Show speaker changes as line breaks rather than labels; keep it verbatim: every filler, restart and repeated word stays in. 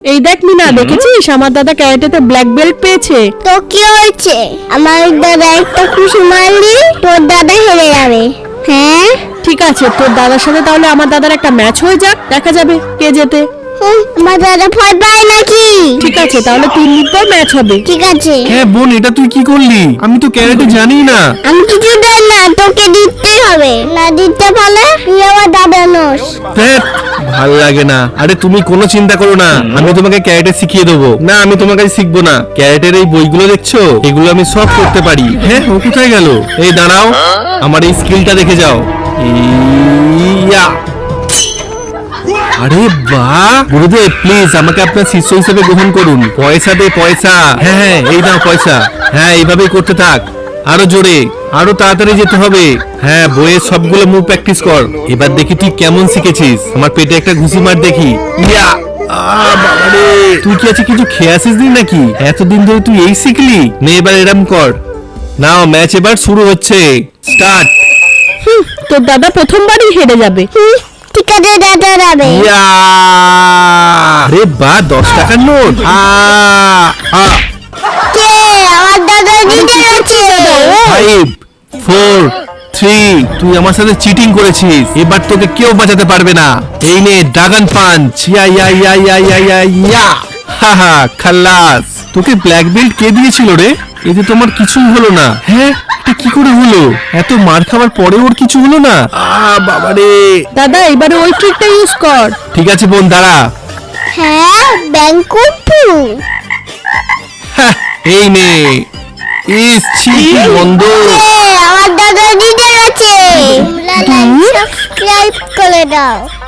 এই দেখ মিনা, দেখেছিস আমার দাদা ক্যারাটেতে ব্ল্যাক বেল্ট পেয়েছে।
তো কি হয়েছে? আমার দাদা একটা খুশি মারলি তোর দাদা হেরে যাবে। হ্যাঁ
ঠিক আছে, তোর দাদার সাথে তাহলে আমার দাদার একটা ম্যাচ হয়ে যাক, দেখা যাবে কে জেতে।
হুম, আমার দাদা ভয় পায় নাকি?
ঠিক আছে, তাহলে তিন মিনিট পর ম্যাচ হবে।
ঠিক আছে।
হ্যাঁ বোন, এটা তুই কি করলি? আমি তো ক্যারাটে জানি না।
আমি কিছু দেন না, তোকে দিতে হবে। না দিতে পারলে তুই আমার দাদা নোস।
ধ্যাৎ, ভাল লাগে না। আরে তুমি কোনো চিন্তা করো না, আমি তোমাকে ক্যারাটে শিখিয়ে দেবো। না, আমি তোমার কাছে শিখবো না। ক্যারাটের এই বইগুলো দেখছো, এগুলো আমি সব করতে পারি। হ্যাঁ, ও কোথায় গেল? এই দাঁড়াও, আমার এই স্কিলটা দেখে যাও। ইয়া! আরে বাহ! গুরুদেব প্লিজ আমাকে আপনার শিষ্য হিসেবে গ্রহণ করুন। পয়সা দে পয়সা। হ্যাঁ হ্যাঁ, এই নাও পয়সা। হ্যাঁ, এইভাবেই করতে থাক। আরো জোরে, আরো তাড়াতাড়ি যেতে হবে। হ্যাঁ, বইয়ের সবগুলো মুভ প্র্যাকটিস কর। এবার দেখি তুই কেমন শিখেছিস। আমার পেটে একটা ঘুষি মার দেখি। ইয়া! আহ, বাবারে! তুই কি আছে কিছু খেয়ে আসিস নি নাকি? এতদিন ধরে তুই এই শিখলি? নে এবার এরম কর। নাও, ম্যাচ এবার শুরু হচ্ছে। স্টার্ট।
হুম, তোর দাদা প্রথমবারই হেরে যাবে।
হুম, ঠিক আছে দাদা যাবে।
ইয়া! আরে বাহ, দশ টাকার নোট। আ আ
কে? আমার দাদা জিতে গেছে।
ফাইভ ফোর থ্রি তুই আমার সাথে চিটিং করেছিস। এবার তোকে কেউ বাঁচাতে পারবে না। এই নে ড্রাগন পাঞ্চ। ইয়া ইয়া ইয়া ইয়া ইয়া ইয়া ইয়া হা হা, খাল্লাস। তোকে ব্ল্যাক বেল্ট কে দিয়েছিল রে? এতে তোমার কিছুই হলো না। হ্যাঁ, এটা কি করে হলো? এত মার খাবার পরে ওর কিছু হলো না? আ বাবারে!
দাদা এবারে ওই ট্রিকটা ইউজ কর।
ঠিক আছে বোন, দাঁড়া।
হ্যাঁ, ব্যাংকুপু।
হ্যাঁ, এই নে। ইস ছি, কি গন্ধ।
আমার দাদা জিতে গেছে। সাবস্ক্রাইব করে দাও।